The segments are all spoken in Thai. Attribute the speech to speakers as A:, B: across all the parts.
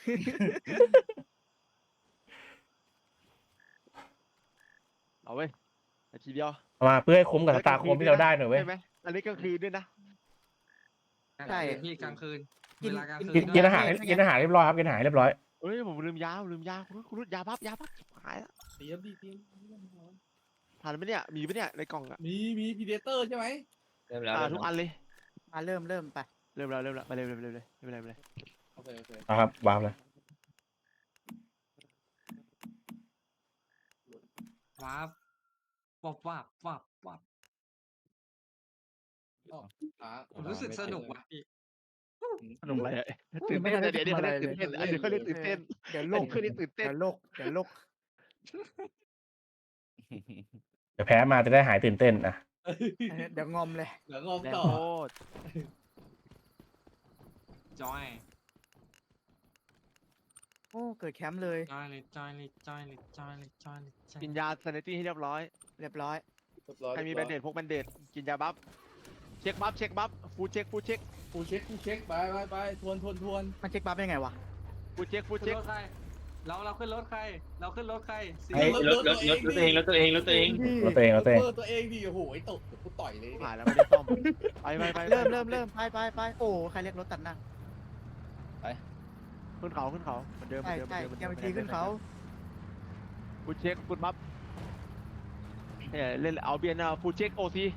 A: เอาเว้ยนาทีเดียว
B: เอามาเพื่อให้คุ้มกับสตาร์โคมที่เราได้หน่อยเว้ย
A: ใช่ไหมอันนี้กลางคืนด้วยนะ
C: ใช่พี่กลางคืนเวลากลางคืน
B: กินอาหารกินอาหารเรียบร้อยครับกินอาหารเรียบร้อย
A: เฮ้ยผมลืมยาคุณรุดยาพับหายแล้ว
D: เตรียมดิเตรียม
A: ผ่านไหมเนี่ยมีไหมเนี่ยในกล่องอะ
D: มีพีเดเตอร์ใช่ไหม
E: เริ่มแล้ว
A: ทุกอันเลย
F: มาเริ่มไป
A: เริ่มแล้วไปเร็วไม่เป็นไร
D: โอเค
B: นะครับวางเลย
C: ว้าบวับ ผมรู้สึกสนุกว่ะพี่
A: สนุกอะไรอะตื่นเต้นเดี๋ยวเขาเรียกตื่นเต้นอันนี้เขาเรียกตื่นเต้น
F: เดี๋ยว
A: อัน
F: โลก
A: นี้เขาเรียกตื่นเต้น
F: เดี๋ยวโลก
B: เดี๋ยวแพ้มาจะได้หายตื่นเต้นอ่ะ
F: เดี๋ยวงอมเลย
D: เดี๋ยวงอม
A: แรง
D: ต่อ
A: โคตร
C: จอย
F: โอ้เกิดแคมป์เลย
A: กินยาซานิตี้ให้เรียบร้อย
F: เรียบร้อย
A: ใครมีแบนเดตพกแบนเดตกินยาบัฟเช็คบัฟฟูเช็ค
D: กูเช็คไปทวน
F: มันเช็คบัฟยังไงวะ
A: ฟูเช็ค
C: ขึ้นรถใครเราขึ้นรถใครเราขึ้นรถใครสี
E: เฮ้ยรถตัวเอง
D: ตัวเองดิโอ้โหไอ้ตกกูต่อยเลย
A: ผ่านแล้วไม่ได้ซ่อมไป
F: เริ่มไปโอ้ใครเรียกรถตัดหน้า
A: ขึ้นเขาเหมือนเดิม
F: ใช่แกไปทีขึ้นเขา
A: ฟูเช็คบัฟเนี่ยเล่นเอาเบียนฟูเช็คโอซี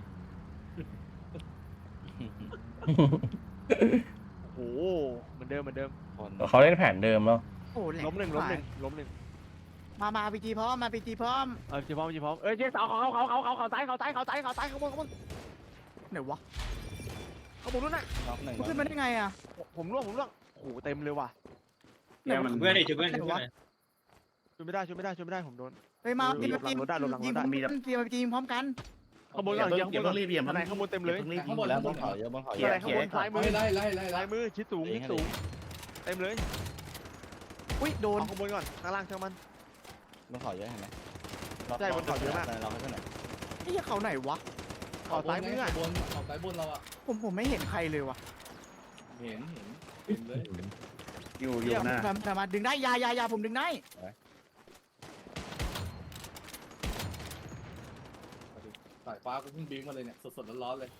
A: โอ้โหเหมือนเดิม
B: เขาเล่นแผนเดิมแล้ว
F: โอ้แหลก
A: ล้มหนึ่ง
F: มาพีจีพร้อมพร้อม
A: จีพร้อมเจ๊สาวเขาซ้ายข้างบน
F: ไหนวะ
A: ข้างบนนู้นน่ะ
E: น็อกหนึ่ง
F: มันขึ้นมาได้ไงอ่ะ
A: ผมร่วงโอ้โหเต็มเลยว่ะ
E: เพื่อนดิช่วยเพื่อน
A: ช่วยไม่ได้ผมโดน
F: เฮ้ยมา
A: หลบหลังรถได้
F: ยิงพีจีพร้อมกัน
A: ข้างบนก่อนข้างบนรีบข้างในข้างบนเต็มเลย
E: ข้างบนแล้วบนเขาเยอะบนเขาเย
A: ข้าง
E: อะ
A: ในข้างบนซ้ายมือ
D: ไล่
A: ซ้ายมือชิดสูงเต็มเลย
F: อุ้ยโดน
A: เอาข้างบนก่อนข้างล่างช่างมัน
E: บนเขาเยอะเห็นไหม
A: ใช่บนเขาเยอะมาก
E: เราขึ้นไหน
F: ไอ้เขาไหนวะ
A: ออกซ้ายมืออ่ะ
D: บนออกซ้ายบนเราอ่ะ
F: ผมไม่เห็นใครเลยวะ
D: เห็นเลย
B: อยู่นะ
F: มาดึงได้ยาผมดึงได้
D: สายฟ้ากูเพิ่งบิ้งมาเลยเนี่ยสดร้อนเลย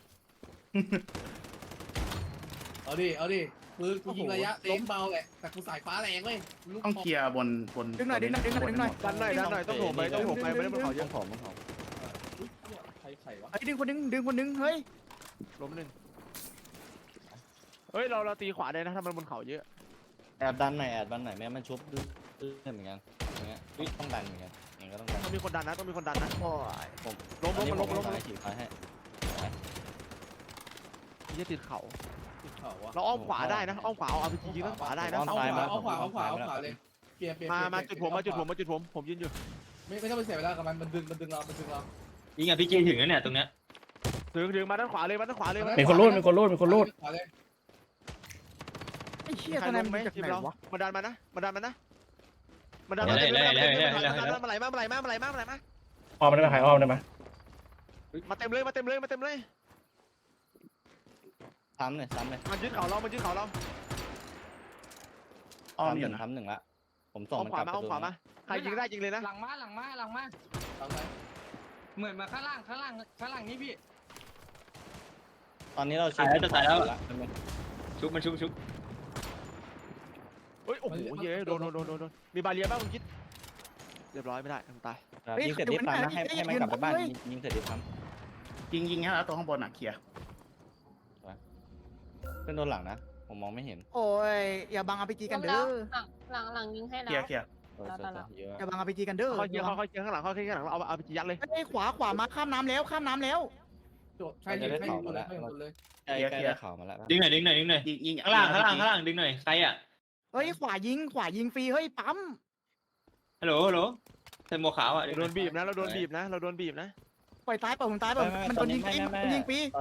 D: เอาดิปืนกูยิงระยะเต็มเบาแหละแต่กูสายฟ้าแรงเว้ย
G: ต้องเคลียร์บน
F: ดึงหน่อยดันหน่อย
A: ต้องโถมไปไม่ได้บนเขาเย
E: ต้อ
A: อะ
E: งผมบนเขา
D: ใครวะ
F: ไอ้ดึงคนนึงเฮ้ย
A: ล้มหนึ่งเฮ้ยเราตีขวาได้นะถ้ามันบนเขาเยอะ
E: แอบดันหน่อยแม่มันชุบเหมือนกันอย่างเงี้ยต้องดันเหมือนกันอย่างก็ต้องดัน
A: ต้องมีคนดันนะ
F: โอ้ย
A: ล้ม
E: ฉีดไฟให้
A: ที่จะติดเขา
D: ติดเขาวะ
A: เราอ้อมขวาได้นะอ้อมขวาเอาอาร์พีจียิงด้านขวาได้นะ
D: เอาขวาเลยเปลี่ยน
A: มาจุดผมยืนอยู่
D: ไม่ต้องไปเสียเวลากับมันดึงเรา
E: ยิงอ่ะพี่เจถึงแล้วเนี่ยตรงเนี้ย
A: ถึงมาด้านขวาเลย
B: มีคนรูด
D: ขวาเลย
F: ไอ้เชี่ย
A: ใคร
F: ทนาย
A: ล
F: มัน
A: งไหม
F: จาก
A: ทีม
F: ไหน
A: เรา
F: วะ
A: มาดันมานะมาไหลมา
B: อ้อมได้ไหมใครอ้อมได้ไหม
A: มาเต็มเลย
E: ซ้ำเลย
A: มันยึดเขาเรา
G: อ้อมอยู่นะ
E: ซ้ำหนึ่งละผมส่ง
A: อ้อม
E: มัน
A: ข
E: ก
A: วา
E: ลับ
A: มาอ้อมขวามาใครยิงได้ยิงเลยนะ
C: หลังมา
D: ทำไง
C: เหมือนมาข้างล่างนี่พี่
E: ตอนนี้เราชุบ
A: เฮ้ยโอ้โหเย้โดนมีบาเรียบ้างคุณคิดเรียบร้อยไม่ได้ตาย
E: ยิงเสร็จรีบทำนะให้มันกลับไปบ้านยิงเสร็จรีบท
G: ยิงให้แล้วตัวข้างบนอ่ะเคลียร์
E: ำเป็นโดนหลังนะผมมองไม่เห็น
F: โอ้ยอย่าบังอาพีจีกันเด้อ
H: หลังยิงให้
G: เคลีย
H: แล้ว
G: ร์เคลียร์
E: เยอะ
F: อย่าบังอาพีจีกันเด้อ
A: ค่อยเคียงข้างหลังเราเอาไปยัดเลย
F: ไอ้ขวามาข้ามน้ำแล้ว
D: ใช่เลยให้หมดเลย
E: ใกล้ข่าวมาแล้ว
G: ยิง
E: ข้างล่างดึงหน่อยใครอ่ะ
F: เฮ้ยขวายิงฟรีเฮ้ยปั๊ม
E: ฮัลโหลใส่หมวกขาวอ่ะ
A: เราโดนบีบนะ
F: ปล่อยตายเปล่าผมตายเปล่ามันโดนยิงฟรี
E: ตอน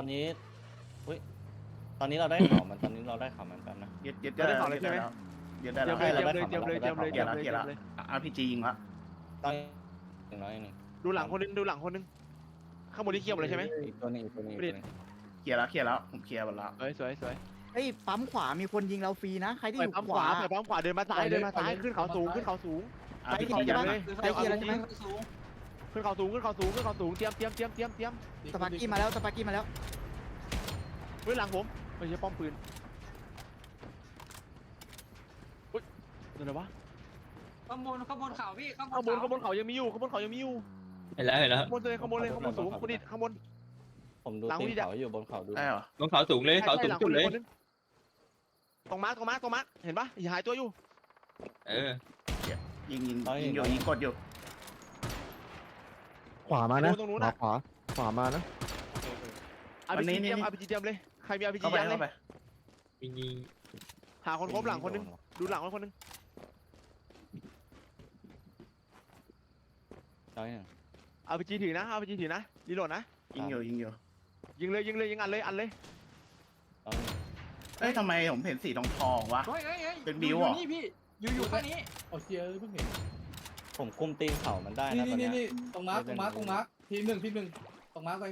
E: นี้เราได้ข่าวมันแป๊บนะ
G: ยึดได้แล้วยึดได้แล้ว
A: เจียมเลย
G: เคลียร์แล้วRPG ยิงละ
E: ตอน100นึง
A: ดูหลังคนนึงข้างบนนี่เคี่ยวเลยใช่ไหม
E: อีกตัวนึง
G: เคลียร์แล้วผมเคลียร์หมดแล้ว
A: สวย
F: ไอ้ฮ้ยปั๊มขวามีคนยิงเราฟรีนะใครที่
A: ไป
F: อยู่
A: ปั๊ม
F: ข
A: ขวาว
F: า
A: ไปปั๊มขวาเดินมาซ้ายเดินมาซ้ายขึ้นเขาสูงขึ้นเขาสูง
G: อาร์พี
F: ไป
G: จี
F: ที่
G: ยัด
F: ไหน
G: เลย
C: คือ
A: เดี๋ยว
C: เขา
A: เอา
C: สู
A: ไป
C: ง
A: ที่
C: สูง
A: ขึ้นเขาสูงขึ้นเขาสูงขึ้นเขาสูงเตรียม
F: สปาร์กี้มาแล้วสปาร์กี้มาแล้ว
A: เฮ้ยหลังผมไม่ใช่ป้อมปืนอุ้ยนั่นอะไรวะ
C: ข้างบนเขาพี่ข้าง
A: ข้าง
C: บบ
A: น
C: น
A: ข้างบนเขายังมีอยู่ข้างบนเขายังมีอยู่
H: เห็นแล้วเห็นแล้ว
A: ข้างบนเลยข้างบนเลยข้างบนสูงคนนี้ข้างบน
E: ผมดู
A: หลัง
E: ตีน
A: พี่จะ
E: เขาอยู่บนเขาดู
G: ได้เหรอบ
H: นเขาสูงเลยเขาสูงสุดเลย
A: ตรงมาร์คเห็นปะอย่าหายตัวอยู่
H: เออ
G: ยิงอยู่ยิงกดอยู่
I: ขวามานะ
A: ตรงนู้นนะ
I: ขวามานะ
A: อาร์พีจีเตรียมเลยใครมีอาร์พีจี
G: เข้าไป
A: ยันเล
G: เข้าย ไป
H: ยิง
A: หาคนครบหลังคนนึงดูหลังคนนึง
E: น้อยหนึ่ง
A: อาร์พีจีถือนะรีโหลดนะ
G: ยิงอยู่
A: ยิงเลยยิงอันเลย
E: น้อยหนึ่ง
G: เอ้ยทำไมผมเห็นสีทองวะ
C: เฮ้ย
G: เป็นบิวเหรอ
C: นี่พี่อยู่ข้างนี้
D: เอาเชียร์เพิ่งเห็น
E: ผมคุมตีนเขามันได้นะตอนเนี้ย
D: นี่ตรงมาร์คทีหนึ่งตรงมาร์คไป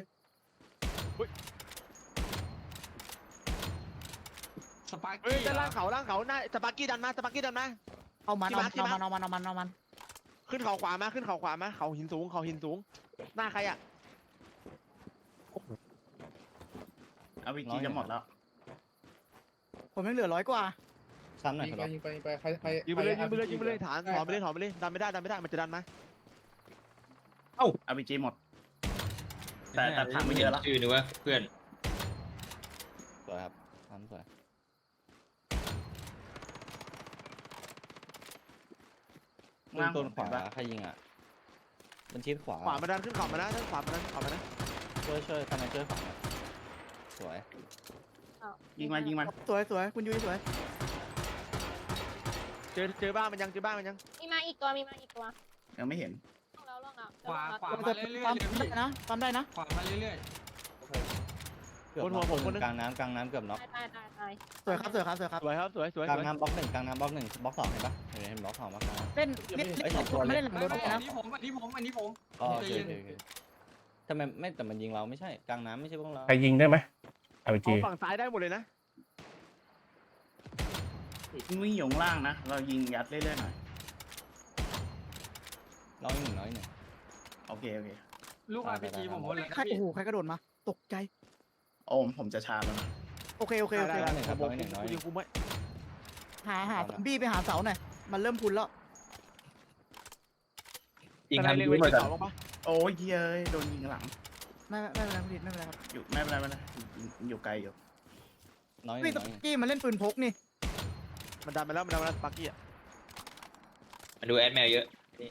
C: สปาร์
A: เฮ้ย
C: กี้
A: ด้านล่างเขาหน้าสปาร์กี้ดันมา
F: เอามัน
A: ที่มาร์ค
F: เอามัน
A: ขึ้นเขาขวามาเขาหินสูงหน้าใครอ่ะ
G: อาร์พีจีจะหมดแล้ว
F: ผมยังเหลือ100 กว่า
E: ซ้ำหน่อย
D: ยิง
E: ครับ
D: ไปใคร
A: ยิงไปเลยฐานถอนไปเลยดันไม่ได้มันจะดันมา
G: อาร์พีจีหมด แต่ถังไม่เยอะแล้ว
H: ชื่อนึกว่าเพื่อน
E: สวยครับซ้ำสวยต้นขวาใครยิงอ่ะมันชิดขวา
A: ขวามาดันขึ้นเขามานะด้านขวามานะ
E: ช่วยทำไมช่วยขวาหน่อยสวย
G: ยิงมัน
F: สวยคุณยุ้ยสวย
A: เจอบ้านมันยัง
J: มีมาอีกตัว
G: ยังไม่เห็น
J: ล่วงแล้ว
C: ขวา
F: ปั๊
C: มาเรื่อยๆเลยพี่
F: ได้นะ
C: ขวามาเรื่อย
E: เกือบน็อกคนกลางน้ำเกือบน็อก
J: ตาย
F: สวยครับ
A: สวย
E: กลางน้ำบล็อก1กลางน้ำบล็อก1บล็อก2เห็นปะเห็นบล็อก2บล็อก3
F: เล่นไม่เล่นหลัง
C: ๆ
F: โดน
C: ไม่
F: นะ
C: อันนี้ผม
E: อ๋อโอเคทำไมไม่แต่มันยิงเราไม่ใช่กลางน้ำไม่ใช่พวกเรา
B: ใครยิงได้ไหมอาร์พีจี
A: เอาฝั่งซ้ายได้หมดเลยนะ
G: วิ่งอยู่ข้างล่างนะ เรายิงยัดเรื่อยๆหน่อย
E: น้อยหนึ่ง
G: โอเค
C: ลูก RPG ผมหมดเลย
F: ใครโอ้โหใครกระโดดมาตกใจ
G: โอมผมจะชาร์จแล้วนะ
F: โอเค
A: ได้ยิงกูไม่
F: หาซอมบี้ไปหาเสาหน่อยมันเริ่มพุนแล้ว
H: ยิง
A: อะไร
H: ทำ
A: เล็ง
H: ยู
A: ไว้
H: หมด
A: ที่
H: อ่ะ
A: เสาลงปะ
G: โอ้ยเย้ยโดนยิงหลัง
F: ไม่เป็นไรคุณดิไม่เป็นไรครับ
G: อยู่ไม่เป็นไรอยู่ไกลอยู่
E: น้อยห
F: นี่
E: นึ่ง
F: ตะกี้มันเล่นปืนพกนี่
A: มันดันมาแล้วสปาร์กี้อ่ะ
H: มาดูแอดแมวเยอะ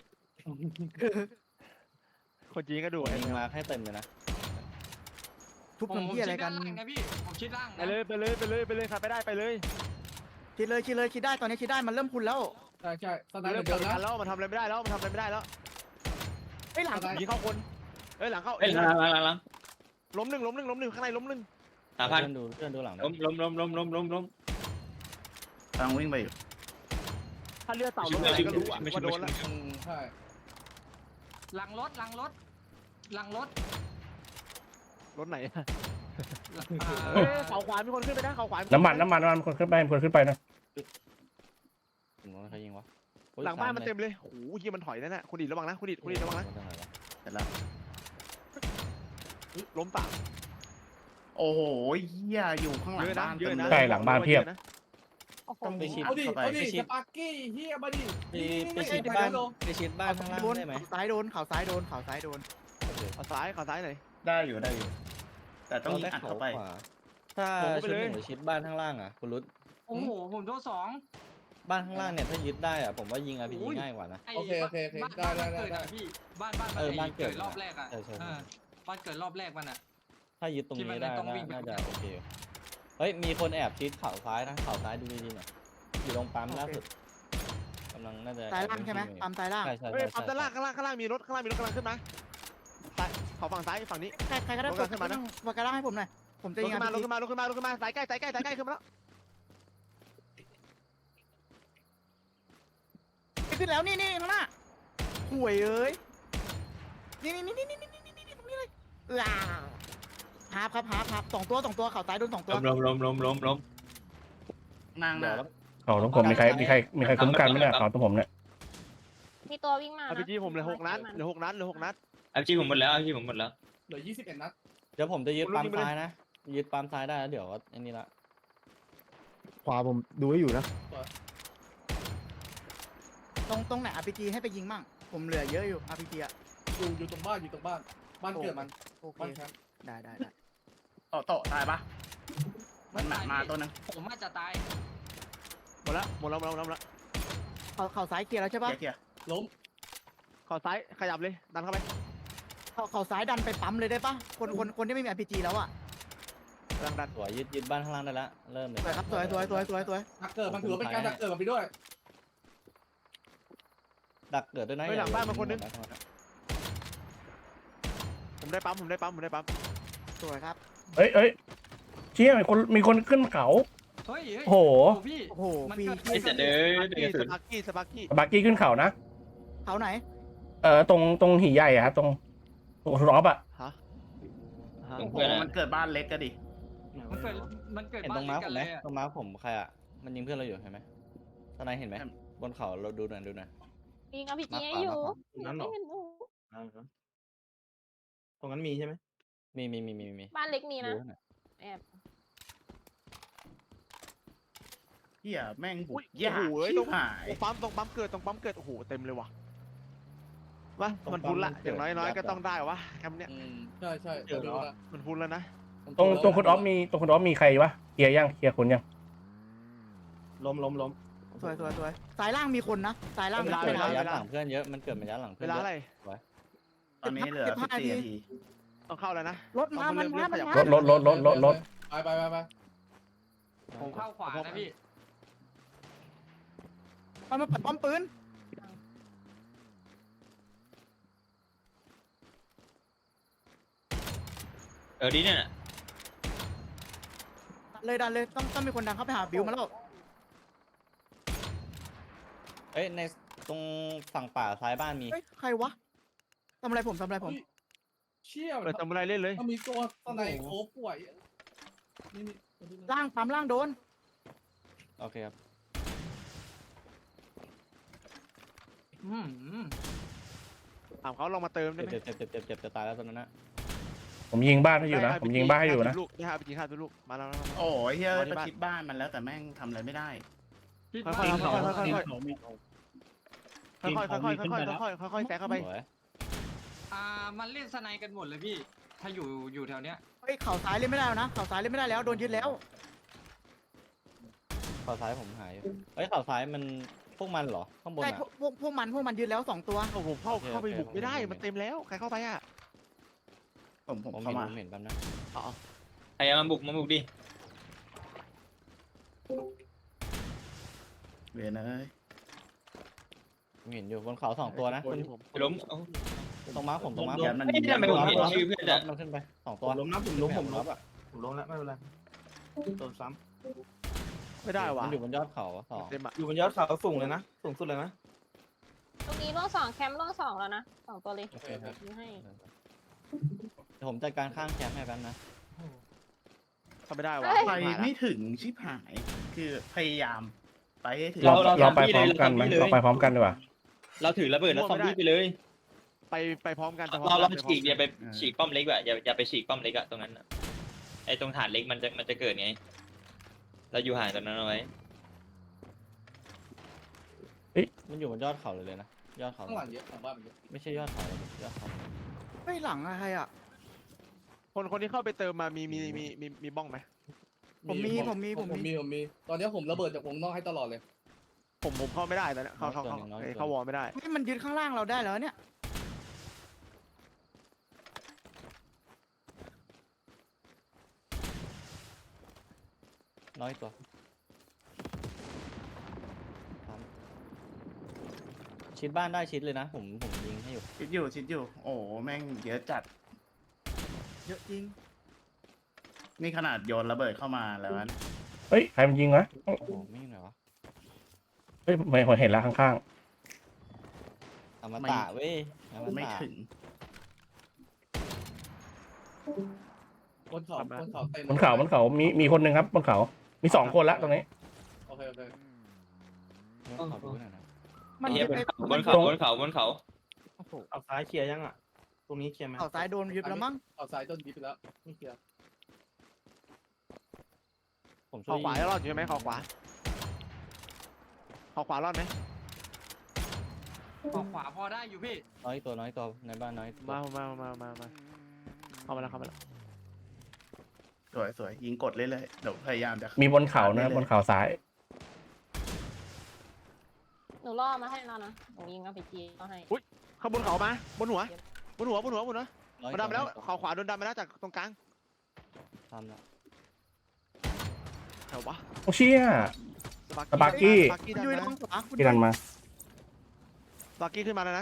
A: คนจีนก็ดู
E: ยิงมาให้เต็มเลยนะ
F: ทุบ
C: ผม
F: น้ำ
C: ชิ
F: พี่
C: ด
F: อะไรกั
C: ด้าน นล่างนะพี่ผมชิดล่าง
A: ไปเลยใครไปได้ไปเลย
F: คิดได้ตอนนี้คิดได้มันเริ่มพุนแล้ว
D: ใช่สไน
A: เริ่ม
D: เปอ
A: เปิด
D: ร์
A: กั
D: นะ
A: นแล้วมันทำอะไรไม่ได้แล้ว
F: ไอ้หลัง
A: ยิงเข้าคนหลังเข้า
H: เอ้ยหลัง
A: ล้มหนึ่งข้างในล้มหนึ่ง
H: 3,000
E: เพื่อนดูหลัง
H: ล้ม
G: กำลังวิ่งไปอยู่
A: ถ้าเลือดเต่าล้มอะไรก็รู้ว่าโดนแล้ว
D: ใช่
C: หลังรถ
A: รถไหน
E: เฮ้ย
A: เขาขวามีคนขึ้นไปนะเขาขวา
B: น้ำมันคนขึ้นไปนะ
E: ผมว่าใครยิงวะ
A: หลังบ้านมันเต็มเลยโอ้โหเฮียมันถอยนั่นน่ะคุณดิระวังนะคุณดิระวังนะ
G: เสร็จแล้ว
A: ล้มป่า
G: โอ้โหเหี้ยอยู่ข้างหลังบ้าน
A: เยอะนะ
B: ใช่หลังบ้านเพียบ
E: ต้องไปชิด
D: เอาดิ
E: เข้าไป
D: เอาดิสปาร์กี้เฮียมาดิ
E: ไปชิดบ้านไปชิดบ้านข้างล่าง
F: โดน
E: ได้ไหม
F: เขาซ้ายโดน
A: เขาซ้ายหน่อย
G: ได้อยู่ แต่ต้องยิงอัดเข้าไป
E: ถ้า
A: ผมก็ไป
E: ชุด
A: เลย
E: หนึ่งชิดบ้านข้างล่างอ่ะคุณรุด
C: โอ้โหผมโดน2
E: บ้านข้างล่างเนี่ยถ้ายึดได้อ่ะผมว่ายิงRPG ง่ายกว่านะ
D: โอเคได้
C: พี่บ้านบ้านเกิดรอบแรกอ่ะบ้านเกิดรอบแรกมันอ่ะ
E: ถ้ายึดตรงนี้ได้
C: ที่มันต้องวิ่งไป
E: น่าจะโอเคเฮ้ยมีคนแอบชิดเข่าซ้ายนะเข่าซ้ายดูดีๆหน่อยอยู่ตรงปั๊มล่าสุดกำลังน่าจะ
F: ซ้ายล่างใช่ไหมปั๊มซ้ายล่าง
E: ใช่ใช่
A: เฮ้ยปั๊มด้านล่างข้างล่างมีรถกำลังขึ้นมาเขาฝั่งซ้ายฝั่งนี้
F: ใครก็ได้ปลดขึ้นมานะปลดกระล่างให้ผมหน่อยผมจะ
A: ล
F: ยิ
A: ง
F: ง
A: ขึ้นมาสายใกล้ขึ้นมาแล้ว
F: ขึ้นแล้วนี่ข้างหน้าห่วยเอ้ยนี่ตรงนี้เลยฮาร์ฟ2 ตัวเขาซ้ายโดน2 ตัว
H: ล้ม
G: นั่ง
E: เดี๋
G: นะ
E: ยวแล้ว
B: เขาตรงผมมีใครคุ้มกันไหมเนี่ยเขาตรงผมเนี่ย
J: มีตัววิ่งมา
A: อา
J: นะ
A: พีจีผมเหลือ6 นัดเหลือ6 นัดเหลือ6 นัด
H: เอาจีผมหมดแล้วเอาจีผมหมดแล้ว
D: เหลือ21 นัด
E: เดี๋ยวผมจะยึด
A: คุณ
E: ปั๊ม
A: ยิงไปเลย
E: ซ้ายนะยึดปั๊มซ้ายได้แล้วเดี๋ยวอันนี้ละ
A: ขวาผมดูไว้อยู่นะ
F: ตรงไหน RPG ให้ไปยิงมั่งผมเหลือเยอะอยู่ RPG อ่ะ
D: อยู่ตรงบ้านบ้านเกิดมัน
F: โอเค
D: บ้านแคมป์
F: ได้
G: โตะตายปะมันมาตัวนึง
C: ผมอาจจะตาย
A: หมดแล้ว
F: เขาซ้ายเคลียร์แล้วใช่ปะ
G: เกียร์
D: ล้ม
A: ขอซ้ายขยับเลยดันเข้าไป
F: เขาซ้ายดันไปปั๊มเลยได้ปะคนที่ไม่มี RPG แล้วอ่ะ
A: ดัน
E: สวยยึดบ้านข้างล่างได้ละเริ่มเลย
F: สวยครับสวย
D: ดักเกิดมันถือว่าเป็นการดักเกิดมันไปด้วย
E: ดักเกิดด้วยนะ
A: เฮ้ยหลังบ้านมาคนนึง
E: อย่ายิง
A: ผมได้ปั๊ม
F: สวยครับ
B: เอ้ยเชี่ยมีคนขึ้นเขา
C: เฮ้ยเฮ้ย
B: โอ้โห
C: พี่
F: โอ้โห
C: มัน
F: ฟรี
C: เกิด
H: ไอ้เสร็จเลยเดือด
A: ส
H: สุด
A: ปาร์กี้
B: บาร์กี้ขึ้นเขานะ
F: เขาไหน
B: ตรงหีใหญ่อะครับตรงรอบอะ
A: ฮะ
H: ตรง
G: โอ้
H: เพื่อน
G: มันเกิดบ้านเล็กก็ดิ
C: มันเกิด
E: เห็น
C: บ้า
E: ตร
C: น
E: ง
C: เล็
E: ม้าก ผ
C: กัน
E: มไห
C: เล
E: ม
C: ยอะ
E: ตรงม้าผมใครอ่ะมันยิงเพื่อนเราอยู่เห็นไหมตอนไหนเห็นไหมบนเขาเราดูหน่อย
J: ยิงอาพีจี
E: มาขวา
J: ให้อยู่
E: มาขวา
J: ไม่เห็นหนู
E: ตรงนั้นมีใช่ไหมมี
J: บ้านเล็กมีนะ
E: ดูให้หน่อย
J: แอบ
G: เฮียแม่งบุ
A: อุ้
G: ก
A: ย
G: ยาก
A: โอ้โห
G: ชิบหาย
A: ตรงปั๊มเกิดโอ้โหเต็มเลยว่ะมามันพุนละอย่างน้อยก็ต้องได้วะแคมป์เนี้ย
D: ใช่
A: มันพุนแล้วนะ
B: ตรงคุณออฟมีใครวะเคลียร์คนยัง
E: ล้ม
F: สวยสายล่างมีคนนะสายล่าง
A: เว
F: มี
A: ลา
F: คน
E: เกิด
F: นะ
E: ระยะหลังเพื่อนเยอะมันเกิดระยะหลัง
A: เว
E: เพื่อน
A: ลา
E: เย
A: อะไร
E: อะ
G: ตอนนี้เหลือ
F: 15
G: 14 นาที
A: ต้องเข้าแล้วนะ
F: รถมามันมา
B: รถ
D: ไป
C: ผมเข้าขวานะพี่
F: มันมาปัดป้อมปืน
H: ดีเนี่ยน่ะ
F: ดันเลยต้องมีคนดังเข้าไปหาบิวมาแล้ว
E: เอ้ยในตรงฝั่งป่าซ้ายบ้านมี
F: เฮ้ยใครวะทำอะไรผม
D: เชี่ย
A: ทำอะไรเล่นเลย
D: มันมีตัวตอนไหนโอ้ป่วยนี่
F: ล่างปั๊มล่างโดน
E: โอเคครับ
A: ถามเขาลองมาเติมได้ไหม
E: เจ็บจะตายแล้วตอนนั้นนะ
B: ผมยิงบ้านให้อยู่นะผมยิงบ้านให้อยู่นะ
A: ลูกนี่ฮะไปยิง5 ลูกมาแล้ว
G: โอ้ยเฮีย
A: เอาที่
G: ประ
A: บ้าน
G: ชิดบ้านมันแล้วแต่แม่งทำอะไรไม่ได้
C: พี่
A: ค่อย
C: บ้าน
A: ๆแซงเข้าไป
E: สวย
C: มันเล่นสไนกันหมดเลยพี่ ถ้าอยู่แถวเนี้ย
F: เฮ้ยเข่าซ้ายเล่นไม่ได้แล้วนะเข่าซ้ายเล่นไม่ได้แล้วโดนยึดแล้ว
E: ข่าวซ้ายผมหายอยู่เฮ้ยข่าวซ้ายมันพวกมันเหรอข้างบน
F: ใช่
E: อ่ะ
F: พวกมันยึดแล้ว2 ตัว
A: โอ้โหเข้าไปบุกไม่ได้มันเต็มแล้วใครเข้าไปอ่ะ
G: ผม
E: ผม
G: เข้ามา
E: เห็นแป๊บนะ
H: ใครเอามาบุกดิ
G: เวียนเอ้ย
E: ผมเห็นอยู่บนเขา2 ตัวนะคุณ
H: ไปล้ม
E: ตรงม้าผมตรงม้า
G: เดี๋ยวมัน
H: ไม่ทำไมผมเห็นชื่อเพื่อน
E: รั
H: อะ
E: บมันขึ้นไป2 ตัว
I: ล้มนะผมล้ม
E: อ่ะ
I: ผมล้มแล้วไม่เป็นไรโดนซ้
A: ไม่ได้ว่ะ
E: มันอยู่บนยอดเขาสอง
A: เต็มอ่ะ
I: ำอยู่บนยอดเขาสูงเลยนะสูงสุดเลยนะ
J: ตรงนี้ร่วง2แคมป์ร่วง2แล้วนะ2ตัวเลย
E: โอเคครับ
J: ยิงให้
E: เดี๋ยวผมจัดการข้างแคมป์ให้แป๊บนะ
A: ทำไม่ได้ว่ะ
G: ไปไม่ถึงชิบหาย คือพยายามไปให้ถึง
B: เราไปพร้อมกันไหมเราไปพร้อมกันดีกว่า
H: เราถือระเบิดแล้วซอมบี้ไปเลย
A: ไปพร้อมกัน
H: เราฉีกอย่าไปฉีกป้อมเล็กอะอย่าไปฉีกป้อมเล็กอะตรงนั้นอะไอ้ตรงฐานเล็กมันจะเกิดไงเราอยู่ห่างจากนั้นเอาไว้
E: มันอยู่บนยอดเขาเลยนะยอดเขา
D: ข้างหลังเยอะของบ้านเยอะ
E: ไม่ใช่ยอดเขาเลยยอดเขา
F: เฮ้ยหลังอะไรอ่ะ
A: คนที่เข้าไปเติมมามีบ้องไหม
F: ผมมี
D: ตอนนี้ผมระเบิดจากวงนอกให้ตลอดเลย
A: ผมเข้าไม่ได้ตอนนี้เข้าวอลไม่ได้
F: เฮ้ยมันยึดข้างล่างเราได้แล้วเนี่ย
E: น้อยตัวชิดบ้านได้ชิดเลยนะผมยิงให้อยู่
G: ชิดอยู่ โอ้แม่งเยอะจัด
F: เยอะจริง
G: นี่ขนาดโยนระเบิดเข้ามาแล้วนะ
B: เฮ้ยใครมันยิงวะ
E: โอ้โหไม่เหรอวะ
B: เฮ้ยไม่เห็นแล้วข้าง
E: อมตะเว้ยอม
G: ไม่
E: ตะ
G: ถึง
D: บนเขาเต็ม
B: ๆบนเขามีคนหนึ่งครับบนเขามี2 คนละตรงนี้
D: โอเคโอเค
E: ขอดูหน่อยนะ
F: มัน
H: เฮีย
F: ยึด
H: บน
F: ไป
H: เขาบนเขาบนเขา
F: โอ้โห
I: เอาซ้ายเคลียร์ยังอ่ะ ตรงนี้เคลียร์ไหม
F: เขาซ้ายโดนยึดแล้วมั้ง
D: เอาซ้ายต้นยิบไปแล้วไม่เคลียร์
E: ผมช่
A: ข
E: ว
A: อย ขวาจะรอดอยู่ไหมขอขวาขอขวารอดไหม
C: ขอขวาพอได้อยู่พี่
E: น้อยตัวในบ้านน้อยตัว
A: มาเข้ามาแล้วเข้ามาแล้ว
G: สวยยิงกดเรื่อยๆเดี๋ยวพยายามจะ
B: มีบนเขานะบนเขาซ้าย
J: หนูล่อมาให้แล้วนะหนูยิงเอาไปจีก็ให้
A: เข้าบนเขามาบนหัวมัน
E: น้อย
A: ดำไปแล้วขอขวาโดนดำไปแล้วจากตรงกลาง
E: ทำแล้ว
A: แถววะ
B: โอ้เชี่ย สปาร์กี้
F: คุณยุ้ยระวังขวาคุณ
B: ที่ดันมา
A: สปาร์กี้ขึ้นมาแล้วนะ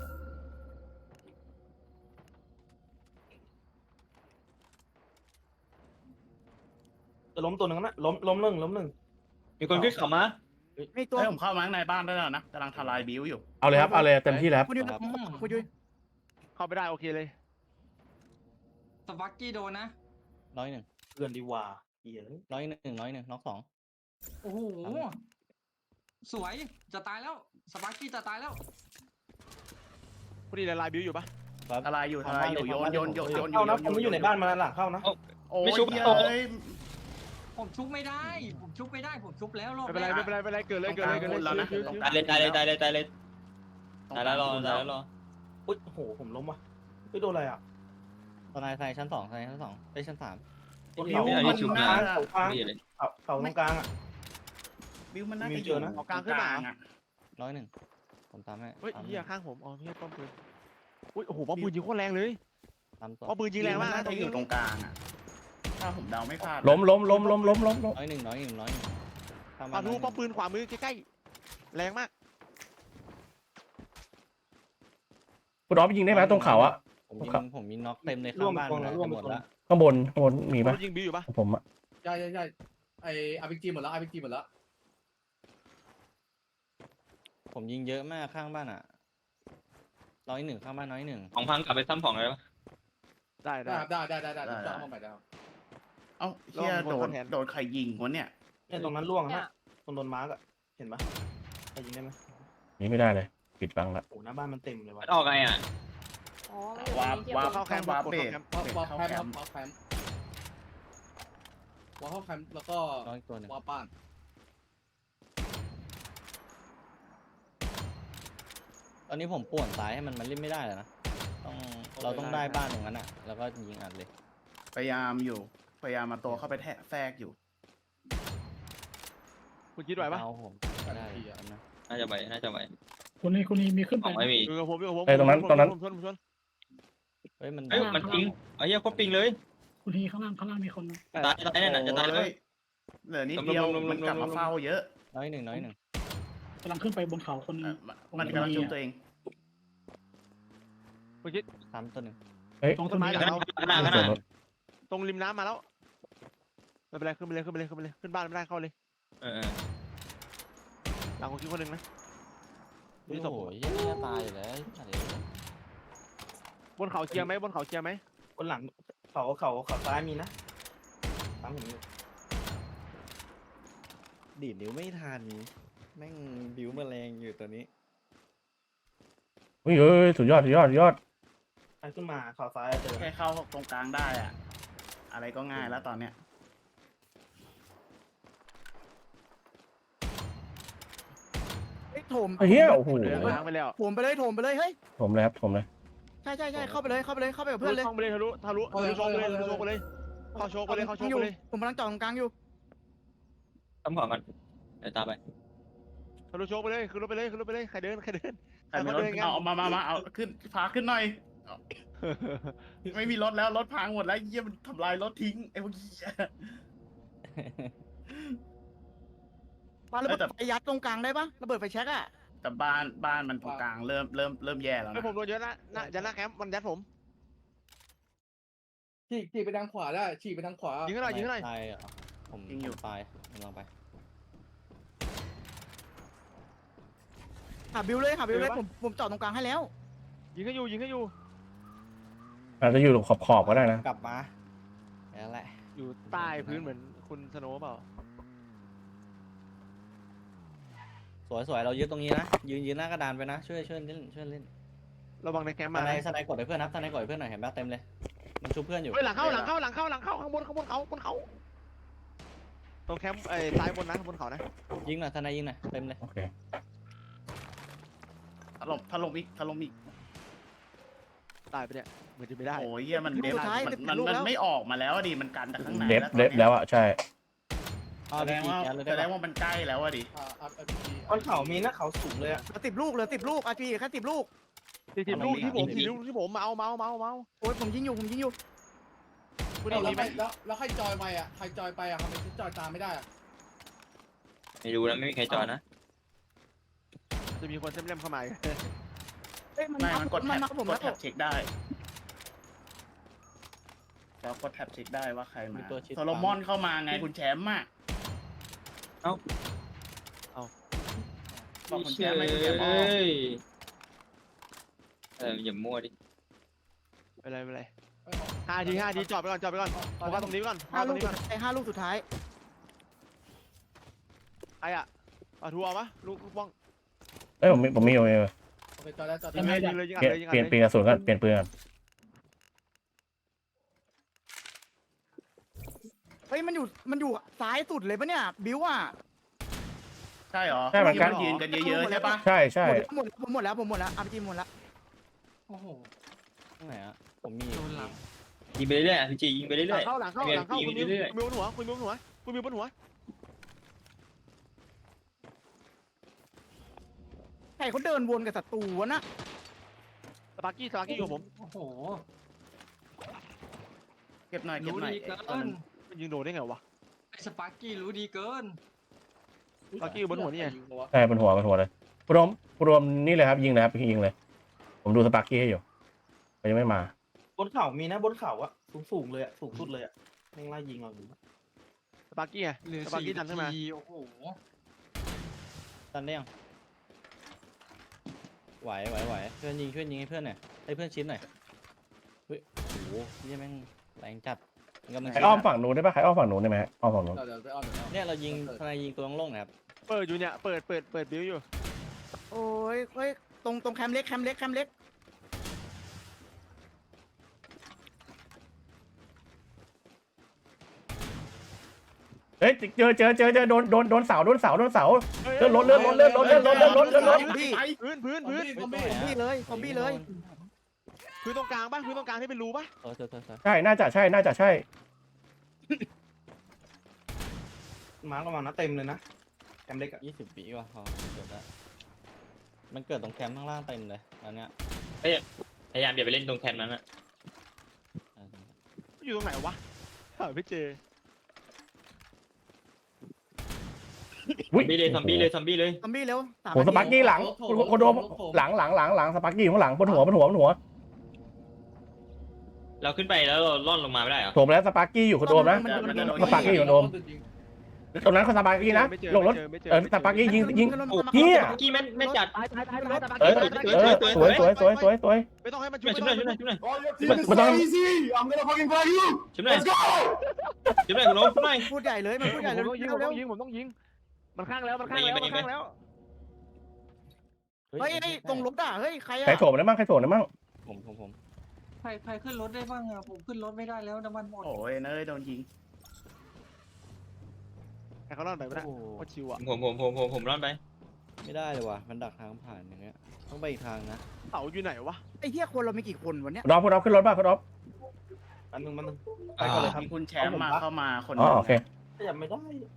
I: จะล้มตัวหนึ่งนะล้มหนึ่ง
H: มีคนขึ้นเขามา
F: มีตัว
G: เฮ้ยผมเข้ามาข้างในบ้านได้แล้วนะกำลังทลายบิวอยู่
B: เอาเลยครับเอาเลยเต็มที่แล้ว
F: คุณยุ้ยคุณยุ้ย
A: เข้าไปได้โอเคเลย
C: สปักกี้โดนนะ
E: น้อยหนึ่ง
I: เกินดีว่าเหี้ย
E: น้อยหนึ่งน็อกสอง
C: โอ้โหสวยจะตายแล้วสปักกี้จะตายแล้ว
A: พอดีเลยลายบิวอยู่ปะ
G: ทลายอยู่โยน
I: เข้านะผมไม่อยู่ในบ้านมาหลังเข้านะ
G: โอ้ย
H: ไม่ชุบ
G: เฮ้ย
C: ผมชุบไม่ได้ ผมชุบแล้วรอบ
A: ไม่เป็นไร
C: แรก
A: ไม่เป็นไรเกิดเลย
G: แล้วนะ
H: ตายเลยตายแล้วรอ
I: อุ้ยโอ้โหผมล้มว่ะไม่โดนอะไรอ่ะ
E: ตอนนายไซชั้นสองไปชั้นสาม
I: บิว
H: ไม่เอาที่ชุบนะ
I: เขากลาง
H: ไม่เลย
I: เขาตรงกลางอ่ะ
G: บิวมันน่า
I: มี
G: จะอ
I: เจ
G: ยู่
I: อนะ
A: กลางขึ้นมา
G: อ่ะ
E: น้อยหนึ่งผมตามให้
A: เฮ้ยเฮียข้างผมอ๋อเฮียป้อมปืนอุ้ยโอ้โหป้อมปืนยิงโคตรแรงเลย
E: ตามตัว
A: ป้อมปืนยิงแรงมาก
G: น่า
A: นะตร
G: จะ
A: ง
G: อ
A: นี้
G: ยู่ตรงกลางอ่ะถ้าผมเดาไม่พลาด
B: ล้ม
E: น้อยหนึ่งข้าง
A: ปาทูป้อมปืนขวามือใกล้ๆแรงมาก
B: คุณอ๊อฟยิงได้ไหมตรงเขาอะ
E: ผมมีน็อกเต็มเลยข้างบ้านหมดแล้ว
B: ข้างบนมีปะ
A: ยิงบิวอยู่ปะ
B: ผมอะ
D: ใช่ไออาร์พีจีหมดแล้วอาร์พีจีหมดแล้ว
E: ผมยิงเยอะมากข้างบ้านอ่ะน้อยหนึ่งข้างบ้านน้อยหนึ่ง
H: ของพังกลับไปซ้ำของเลยปะ
A: ได้
D: ได้จะเอามาใหม่ได้
G: เอ้าเฮียโดนใครยิงวะเนี่ย
I: เนี่ยตรงนั้นล่วงนะตรงโดนมาร์กอ่ะเห็นปะใครยิงได้ไหม
B: นี่ไม่ได้เลยปิดบังละ
I: โอ้หน้าบ้านมันเต็มเลยว่ะ
H: มันออกไงอ่ะ
J: อ๋อมันอยู่
G: วา
J: ในที่
G: วา
J: ผม
A: เข้าแคมป์
G: วา
A: กด
G: เบร
A: เข้าก แคมป์
D: วอลแคมป์วอลเข้าแคมป์แล้วก็
E: น้อยตัวหนึ่ง
D: วอลป้าน
E: ตอนนี้ผมป่วนซ้ายให้มันเล่นไม่ได้แล้วนะเราต้องได้บ้านตรงนั้นอ่ะแล้วก็ยิงอัดเลย
G: พยายามมาตัวเข้าไปแทรกอยู่
A: คุณคิดไหวปะ
E: เอาผมได้นะ
H: น่าจะไหว
K: คนนี้มีขึ้น
H: ข
K: ไป
H: องไม่มี
A: อยู่กับผม
B: ไอ้ตรงนั้น
A: ชน
E: เฮ้ยมัน
H: เอ้ยมันปิงไอ้เหี้ยโคตรปิงเลย
K: คุณทีข้างล่างมีคน
H: ตายนั่นน่ะจะตายแล้ว
G: โอ้เหลือนิดเดียวมันกลับมาเฝ้าเยอะ
E: น้อยหนึ่ง
K: กำลังขึ้นไปบนเขาคนนึง
G: มันกำลังจุ่มตัวเอง
A: คุณคิด
E: ซ้ำตัวหนึ่ง
K: ตรง
A: ต้นไม้
K: นี้
A: หลังเรา
H: ข้างหน้า
A: ตรงริมน้ำมาแล้วไม่เป็นไรขึ้นไปเลยขึ้นบ้านไม่ได้เข้าเลย หลังของคิดคนหนึ่งนะ
E: โอ้โหยังจะตายอยู่แล้ว
A: บนเขาเคลียร์ไหม
I: คนหลังเขาซ้ายมีนะตามผมอยู่
E: ดีดนิ้วไม่ทันแม่งบิวแมลงอยู่ตัวนี้
B: เฮ้ยสุดยอด
I: ใครขึ้นมาเขาซ้ายเจอ
G: แค่เข้าตรงกลางได้อะอะไรก็ง่ายแล้วตอนเนี้ย
F: โถม
B: เฮียโอ้โห
A: ล้างไปแล้ว
F: โถมไปเลยเฮ้ย
B: ผมเลยครับผมเลย
F: ใช่เข้าไปเลยกับเพื่อนเลย
A: ช่องไปเลยทะลุโชกไปเลยเข้าโชกไปเลย
F: ผมกำลังจอดตรงกลางอยู่
H: ซ้ำของกันเดี๋ยวตามไป
A: ทะลุโชกไปเลยขึ้นรถไปเลยใครเดิน
G: ใครมีรถเอามาเอาขึ้นพาขึ้นหน่อย ไม่มีรถแล้วรถพังหมดแล้วเยี่ยมันทำลายรถทิ้งไอ้พวกเหี้ย
F: ปาระเบิดไฟยัดตรงกลางได้ปะระเบิดไฟแช็กอะ
G: แต่บ้านมันตรงกลางเริ่มแย่แล้ว
A: ไอ้
G: นะ
A: ผมโดนเยอะนะยันหน้าแคมป์มันยัดผม
D: ฉีกไปทางขวาได้ฉีกไปทางขวา
A: ยิงให้หน่อย
E: ตายเหรอผมตายกำลังไป
F: หาบิวเลยผมจอดตรงกลางให้แล้ว
A: ยิงให้อยู่
B: อาจจะอยู่ขอบก็ได้นะ
E: กลับมาแล้วแหละ
A: อยู่ใต้พื้นเหมือนคุณสโนว์เปล่า
E: สวยเรายึดตรงนี้นะยืนหน้ากระดานไปนะช่วยเล่น
A: ระวังในแคมป์
E: ส
A: มา
E: ไนด์กดให้เพื่อนครับสไนด์กดให้เพื่อนหน่อยเห็นป่ะเต็มเลยมันชุบเพื่อนอยู่
A: เฮ้ยหลังเข้าข้างบนข้างบนเขาตรงแคมป์ซ้ายบนนะบนเขานะ
E: ยิงหน่อยสไนด์ยิงหน่อยเต็มเลย
B: โอเค
G: ถล่มอีก
A: ตายไปเนี่ยเหมือนจะไม่ได้
G: โอ้ยเหี้ยมันเดฟมันไม่ออกมาแล้วอะดิมันกันแต่ข้างใน
B: เดฟแล้วอ่ะใช่
G: แสดงว่ามันใกล้แล้วอะดิ
I: บนเขามีนะเขาสูงเลยอะ
F: 10 ลูกอาร์พีแค่10 ลูก
A: 40 ลูกที่ผมเมา
F: โอ้ยผมยิงอยู่
A: คุณ
D: แล้ว
A: มีไหม
D: แล้วใครจอยไปอ่ะใครจอยไปอ่ะทำไมฉันจอยตามไม่ได้อ่ะ
H: ไม่รู้นะไม่มีใครจอดนะ
A: จะมีคนเล่มเข้ามา
F: เอ้ยมัน
G: ไม่มันกด
F: มา
G: แท็บ
F: ผม
G: ก
F: แล้
G: ด
F: ว
G: แท็บเช็คได้แล้วกดแท็บเช็คได้ว่าใครมาโซโลมอนเข้ามาไงคุณแชมป์อะบอกคุณแชมป์ไหมคุณแชมป์
H: อย่ามั่วดิ
A: ไปเลย5 ทีจอดไปก่อนโฟกัสตรงนี้ก่อน
F: 5 ลูกสุดท้าย
A: ไอ้อะเอาทัวร์ปะลูกบ้อง
B: เอ้ยผมมีอยู่
D: โอเคจอยแล้วจอย
A: ยิงเลย
B: เปลี่ยนปืนกระสุนกันเปลี่ยนปืนกัน
F: เฮ้ยมันอยู่ซ้ายสุดเลยปะเนี่ยบิวอ่ะ
G: ใช่เหรอ
B: ใช่เหมือนกัน
G: ยืนกันเยอะๆใช่ปะ
B: ใช่
F: หมดแล้วอาร์พีหมดแล้ว
C: โอ้โห
E: ตรงไหนอะผมมี
C: โดนหลัง
H: ยิงไปเรื่อยๆพี่จียิงไปเรื่อย
A: หลังเข้าคุณมิวบนหัว
F: ใครเขาเดินวนกับศัตรูวะนะ
A: สปาร์กี้อยู่ผม
C: โอ้โห
G: เก็บหน่อย
C: รู้ดีเกิน
A: มันยิงโดนได้ไงวะ
C: ไอ้สปาร์กี้รู้ดีเกิน
A: ปาร์กี้อยู่บนหัวนี่ไง
B: ใช่บนหัวเลยคุณรวมนี่เลยครับยิงเลยครับยิงเลย ผมดูสปาร์กี้ให้อยู่มันยังไม่มา
I: บนเขามีนะบนเขาอะสูงเลยอะสูงสุดเลยอะแม่งไล่ยิงเราอยู่
A: สปาร์กี้ไง
C: เหลือ
A: สปาร์กี้ดันขึ้นมา
C: 4 ทีโอ้โห
E: ตันได้ยังไหวเพื่อนยิงให้เพื่อนหน่อยให้เพื่อนชิ้นหน่อยเฮ้ยโอ้โหนี่แม่งแรงจัดกำลัง
B: ใครอ้อมฝั่งนู้นได้ปะใครอ้อมฝั่งนู้นได้ไหมอ้อมฝั่งนู้น
D: เดี๋ยวไปอ้อม
E: เนี่ยเรายิงทนายยิงตัวโล่งๆนะครับ
A: เปิดอยู่เนี่ยเปิดบิวอยู่
F: โอ้ยเฮ้ยตรงแคมป์เล็ก
B: เฮ้ยเจอโดนเสาเลื่อนรถ
F: พี่
A: พื้น
F: ซอมบี้เลย
A: พื้นตรงกลางที่เป็นรูปะ
E: เธอ
B: ใช่น่าจะใช่
I: มาร์กระวังนะเต็มเลยนะแคมเล็กอะ
E: 20 ปีว่ะพอเกิดแล้วมันเกิดตรงแคมป์ข้างล่างเต็มเลยอันเนี้ย
H: พยายามอย่าไปเล่นตรงแคมป์นั้นอะ
A: อยู่ตรงไหนวะหาไม่เจอ
H: ซอมบี้เลย
F: ซอมบี้เร็ว
B: ผมสปาร์กี้หลังคุณโดมหลังสปาร์กี้อยู่ข้างหลังบนหัว
H: เราขึ้นไปแล้วเราล่อนลงมาไม่ได้เหรอ
B: โถมแล้วสปาร์กี้อยู่คุณโดมนะ สปาร์กี้อยู่โดม ตรงนั้นเขาสปาร์กี้นะลงรถสปาร์กี้ยิงเฮีย
H: เมื่อกี้แม่จัด
B: สวย
A: ไม่ต้องให้มัน
H: ช่วยหน่อย
B: มันต้อง
H: ช่วยหน่อยคุณโน้มช่วยหน่อย
F: พูดใหญ่เลยมันพูดใหญ่เลย
A: ผมต้องยิงมันข้างแล้ว
F: เฮ้ยตรงรถอ่ะเฮ้ยใครอ่ะ
B: ใครโถมได้มั่ง
E: ผม
C: ใครขึ้นรถได้บ้างอะผมขึ้นรถไม่ได้แล้วน้ำมันหมด
G: โอ้ยเนยโดนยิง
A: ให้เขาล่อนไปไม่ได้โคตรชิวอ่ะ
H: ผมร่อนไป
E: ไม่ได้เลยว่ะมันดักทางผ่านอย่างเงี้ยต้องไปอีกทางนะ
A: เสาอยู่ไหนวะ
F: ไอ้เหี้ยคนเรามีกี่คนวันเนี้ย
B: คุณอ๊อฟขึ้นรถป่ะคุณอ๊อฟ
I: อันนึงมัน
G: ไปก่อนเลยครับคุณแชมป์เข้ามาคน
B: อ๋อโอเค
I: ขยับไม่ได้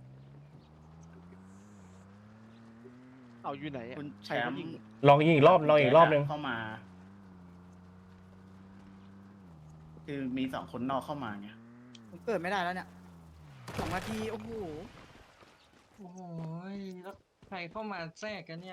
A: เสาอยู่ไหน
G: คุณแชมป์
B: ลองยิงอีกรอบนึง
G: เข้ามา คือมี2 คนนอกเข้ามาไง
F: ผมเกิดไม่ได้แล้วเนี่ย2 นาทีโอ้โห
C: โอ้โหแล้วใครเข้ามาแทรกกันเนี่ย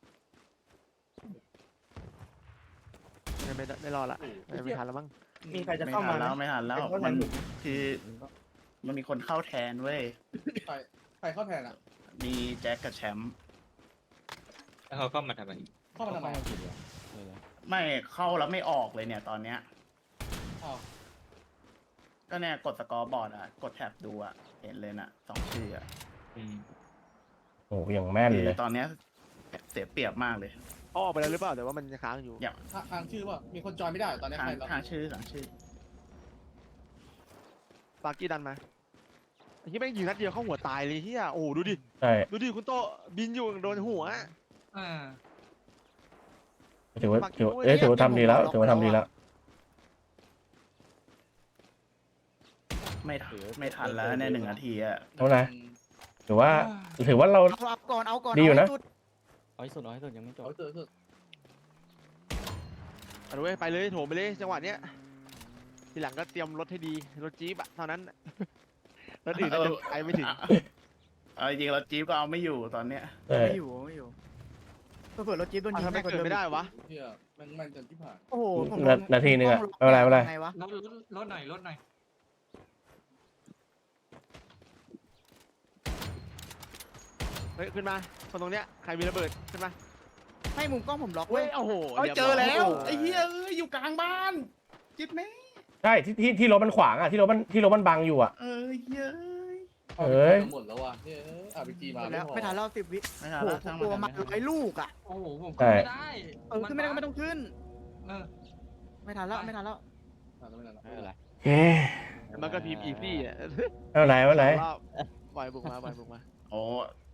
A: ไม่รอละไม่ทันแล้วมั้ง
I: มีใครจะเข้ามา
G: ไม่ทันแล้วมันคือมันมีคนเข้าแทนเว้ย
D: ใครเข้าแทนอะ
G: มีแจ็คกับแชมป์
H: แล้วเขาเข้ามาทำไม
D: เข้ามาทำไม
G: ไม่เข้าแล้วไม่ออกเลยเนี่ยตอนเนี้ย
D: อ้าว
G: ก็เนี่ยกดสกอร์บอร์ดอ่ะกดแท็บดูอ่ะเห็นเลยน่ะ2 ชื่ออ่ะ
B: โอ้ยังแม่น
G: คื
B: เล
G: อย ตอนเนี้ยเสียเปรียบมากเลย
A: เขาออกไปแล้วหรือเปล่าแต่ว่ามันจะค้างอยู่
D: ทางชื่อว่ามีคนจอยไม่ได้ตอนนี้
G: ทาง
D: ใครเรา
G: ทางชื่อหลังชื่อ
A: ปากี้ดันมาไอ้ที่แม่งยิงนัดเดียวเข้าหัวตายเลยเฮียโอ้ดูดิ
B: ใช่
A: ดูดิคุณโตบินอยู่โดนหัว
B: ถือว่าถือว่าทำดีแล้วถือว่าทำดีแล้ว
G: ไม่ทันแล้วใน1 นาทีอะ
B: เท่าไหร่ถือว่าเรา
F: เอาก่อนเอาก่อน
B: ดีอยู่นะ
F: เอาให้สุด
E: เอาให้สุดยังไม่จบ
D: เอาเถอะ
A: เอาดูไปเลยโถมไปเลยจังหวะเนี้ยทีหลังก็เตรียมรถให้ดีรถจี๊ปอะเท่านั้นรถอื่นก็จะไปไม่ถึง
G: เอาจริงๆเราจี๊ปก็เอาไม่อยู่ตอนเนี้ย
B: ใช่
F: ไม่อยู่เผื่อรถจี๊ปโดนยิง
A: ทำไมเกิดไม่ได้วะ
D: เฮียมันจนที่ผ่าน
F: โอ้โหผม
B: นาทีนึงอะไม่เป็นไรไม่เป็นไร
F: ไงวะ
C: รถหน่อยรถหน่อย
A: เฮ้ยขึ้นมาคนตรงเนี้ยใครมีระเบิดขึ้นมา
F: ให้มุมกล้องผมล็อก
A: เฮ้
F: เว้
A: ย
F: ย
A: โอ้โห
F: เอ้ยเจอแล้ว
G: ไอ้เหี้ยเอ้ยอยู่กลางบ้านจิ๊บไหม
B: ใช่ที่รถมันขวางอ่ะที่รถมันบังอยู่อ่ะ
G: เอ้ยเหี้ย
B: เอ้ย
D: หมดแล้วว่ะเฮ้ยอาร์พีจีมา
F: แล้วไม่ทันแล้ว10 วิ
G: ไม่ทัน
F: โอ้
G: แล้ว
F: โห
G: ช่าง
F: ตัว
G: มั
F: มาน 100 ลูกอ่ะ
C: โอ้โหผมขึ้นไม่ได้
F: ขึ้นไม่ได้ก็ไม่ต้องขึ้น
C: เออ
F: ไม่ทันแล้วไม่ทันแล้ว
E: ไม่เป็นไร
B: เอ๊ะ
A: มันก็พิมพ์อีซี่อ่ะ
B: ไม่เป็นไรไม่เป็นไร
A: ปล่อยบุกมา
G: โอ้